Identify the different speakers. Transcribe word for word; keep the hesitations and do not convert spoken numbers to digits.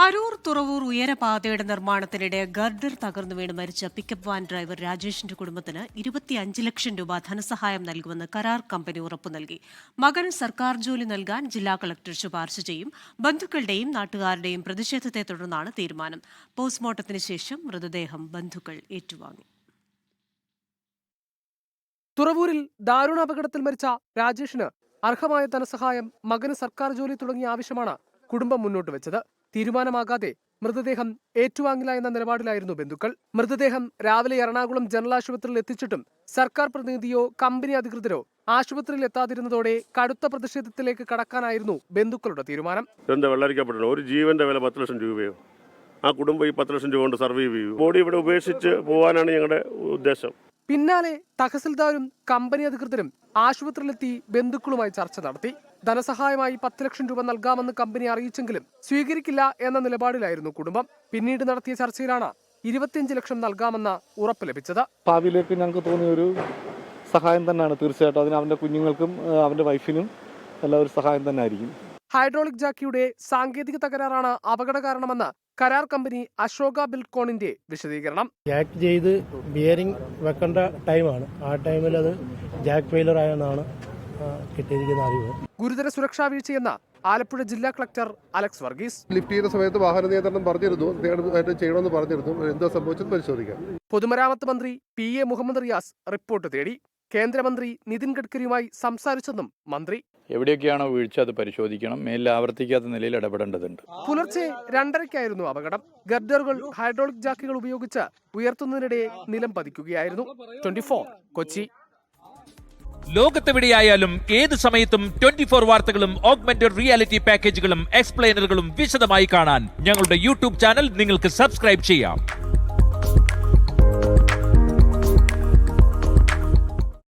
Speaker 1: അരൂർ തുറവൂർ ഉയരപാതയുടെ നിർമ്മാണത്തിനിടെ ഗർഡർ തകർന്നു വീണ് മരിച്ച പിക്കപ്പ് വാൻ ഡ്രൈവർ രാജേഷിന്റെ കുടുംബത്തിന് ഇരുപത്തിയഞ്ച് ലക്ഷം രൂപ ധനസഹായം നൽകുമെന്ന് കരാർ കമ്പനി ഉറപ്പു നൽകി. മകൻ സർക്കാർ ജോലി നൽകാൻ ജില്ലാ കളക്ടർ ശുപാർശ ചെയ്യും. ബന്ധുക്കളുടെയും നാട്ടുകാരുടെയും പ്രതിഷേധത്തെ തുടർന്നാണ് തീരുമാനം. പോസ്റ്റ്മോർട്ടത്തിന് ശേഷം മൃതദേഹം ബന്ധുക്കൾ ഏറ്റുവാങ്ങി.
Speaker 2: തുറവൂരിൽ ദാരുണാപകടത്തിൽ മരിച്ച രാജേഷിന് അർഹമായ ധനസഹായം, മകന് സർക്കാർ ജോലി തുടങ്ങിയ ആവശ്യമാണ് കുടുംബം മുന്നോട്ട് വെച്ചത്. തീരുമാനമാകാതെ മൃതദേഹം ഏറ്റുവാങ്ങില്ല എന്ന നിലപാടിലായിരുന്നു ബന്ധുക്കൾ. മൃതദേഹം രാവിലെ എറണാകുളം ജനറൽ ആശുപത്രിയിൽ എത്തിച്ചിട്ടും സർക്കാർ പ്രതിനിധിയോ കമ്പനി അധികൃതരോ ആശുപത്രിയിൽ എത്താതിരുന്നതോടെ കടുത്ത പ്രതിഷേധത്തിലേക്ക് കടക്കാനായിരുന്നു ബന്ധുക്കളുടെ തീരുമാനം.
Speaker 3: ഒരു ജീവന്റെ വില പത്ത് ലക്ഷം രൂപയോ ആ കുടുംബം ഈ പത്ത് ലക്ഷം രൂപ കൊണ്ട് സർവൈവ് ചെയ്യും. ബോഡി ഇവിടെ ഉപേക്ഷിച്ച് പോകാനാണ് ഞങ്ങളുടെ ഉദ്ദേശം.
Speaker 2: പിന്നാലെ തഹസിൽദാരും കമ്പനി അധികൃതരും ആശുപത്രിയിലെത്തി ബന്ധുക്കളുമായി ചർച്ച നടത്തി. ധനസഹായമായി പത്ത് ലക്ഷം രൂപ നൽകാമെന്ന് കമ്പനി അറിയിച്ചെങ്കിലും സ്വീകരിക്കില്ല എന്ന നിലപാടിലായിരുന്നു കുടുംബം. പിന്നീട് നടത്തിയ ചർച്ചയിലാണ് ഇരുപത്തിയഞ്ച് ലക്ഷം നൽകാമെന്ന ഉറപ്പ് ലഭിച്ചത്.
Speaker 4: ഭാവിയിലേക്ക് ഞങ്ങൾക്ക് തോന്നിയ ഒരു സഹായം തന്നെയാണ്. തീർച്ചയായിട്ടും അതിന് അവന്റെ കുഞ്ഞുങ്ങൾക്കും അവന്റെ വൈഫിനും എല്ലാം ഒരു സഹായം തന്നെ ആയിരിക്കും.
Speaker 2: ഹൈഡ്രോളിക് ജാക്കിയുടെ സാങ്കേതിക തകരാറാണ് അപകട കാരണമെന്ന് കരാർ കമ്പനി അശോക ബിൽകോണിന്റെ വിശദീകരണം.
Speaker 5: ജാക്ക് ചെയ്ത് ബിയറിംഗ് വെക്കേണ്ട ടൈമാണ്. ആ ടൈമിൽ അത് ജാക്ക് ഫെയിലർ ആയെന്നാണ് കിട്ടിയിരിക്കുന്ന അറിവ്.
Speaker 2: ഗുരുതര സുരക്ഷാ വീഴ്ചയെന്ന ആലപ്പുഴ ജില്ലാ കളക്ടർ അലക്സ് വർഗീസ്.
Speaker 6: ലിഫ്റ്റ് ചെയ്യുന്ന സമയത്ത് വാഹന നിയന്ത്രണം പറഞ്ഞിരുന്നു, ചെയ്യണമെന്ന് പറഞ്ഞിരുന്നു. എന്താ സംഭവിച്ചത് പരിശോധിക്കാം.
Speaker 2: പൊതുമരാമത്ത് മന്ത്രി P A Muhammad Riyas report തേടി. കേന്ദ്രമന്ത്രി നിതിൻ ഗഡ്കരിയുമായി സംസാരിച്ചെന്നും മന്ത്രി.
Speaker 7: എവിടെയൊക്കെയാണോ വീഴ്ച അത് പരിശോധിക്കണം, മേലിൽ ആവർത്തിക്കാത്ത നിലയിൽ ഇടപെടേണ്ടതുണ്ട്.
Speaker 2: പുലർച്ചെ രണ്ടരയ്ക്കായിരുന്നു അപകടം. ഗർഡറുകൾ ഹൈഡ്രോളിക് ജാക്കുകൾ ഉപയോഗിച്ച് ഉയർത്തുന്നതിനിടെ നിലം പതിക്കുകയായിരുന്നു. Twenty four Kochi.
Speaker 8: ലോകത്തെവിടെയായാലും ഏത് സമയത്തും ട്വന്റി ഫോർ വാർത്തകളും ഓഗ്മെന്റഡ് റിയാലിറ്റി പാക്കേജുകളും എക്സ്പ്ലെയിനറുകളും വിശദമായി കാണാൻ ഞങ്ങളുടെ യൂട്യൂബ് ചാനൽ നിങ്ങൾക്ക് സബ്സ്ക്രൈബ് ചെയ്യാം.